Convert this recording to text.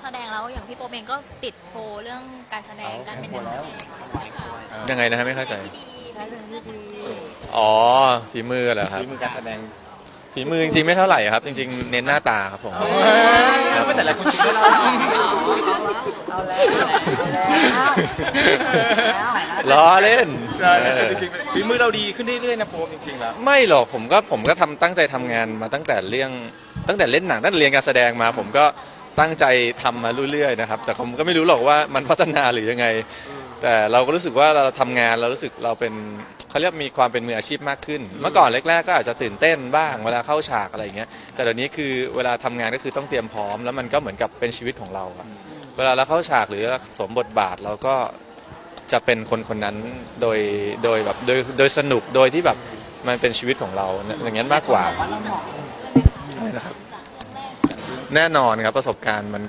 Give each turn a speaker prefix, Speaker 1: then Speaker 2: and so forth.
Speaker 1: แสดงแล้วอย่างพี่โป๊ปเองก็ติดโพลเรื่องการแสดงการเป็นนักแสดงค่ะ
Speaker 2: ยังไงนะฮะไม่เข้าใจ
Speaker 1: ที่ดีและเรื่องที่ดี
Speaker 2: อ๋อฝีมือเหรอครับ
Speaker 3: ฝีมือการแสดง
Speaker 2: ฝีมือจริงๆไม่เท่าไหร่ครับ จริงๆเน้นหน้าตาครับผม
Speaker 3: ไม่แต่ละคนคิดว่าเรา
Speaker 4: เอาแล้ว
Speaker 2: ล้อเล่น
Speaker 3: จริงๆฝีมือเราดีขึ้นเรื่อยๆนะโป๊ปจริงๆแล้ว
Speaker 2: ไม่หรอกผมก็ตั้งใจทำงานมาตั้งแต่เล่นหนังตั้งแต่เรียนการแสดงมา ผมก็ตั้งใจทำมาเรื่อยๆนะครับแต่ผมก็ไม่รู้หรอกว่ามันพัฒนาหรือยังไง แต่เราก็รู้สึกว่าเราทำงานเรารู้สึกเราเป็นเขาเรียกมีความเป็นมืออาชีพมากขึ้น เมื่อก่อนแรกๆก็อาจจะตื่นเต้นบ้างเวลาเข้าฉากอะไรอย่างเงี้ยแต่เดี๋ยวนี้คือเวลาทำงานก็คือต้องเตรียมพร้อมแล้วมันก็เหมือนกับเป็นชีวิตของเราอะเวลาเราเข้าฉากหรือสวมบทบาทเราก็จะเป็นคนนั้นโดยแบบโดยสนุกโดยที่แบบมันเป็นชีวิตของเราอย่างนั้นมากกว่า
Speaker 4: ว่าเราเหมาะ
Speaker 2: อะไรนะครับแน่นอนครับประสบการณ์มัน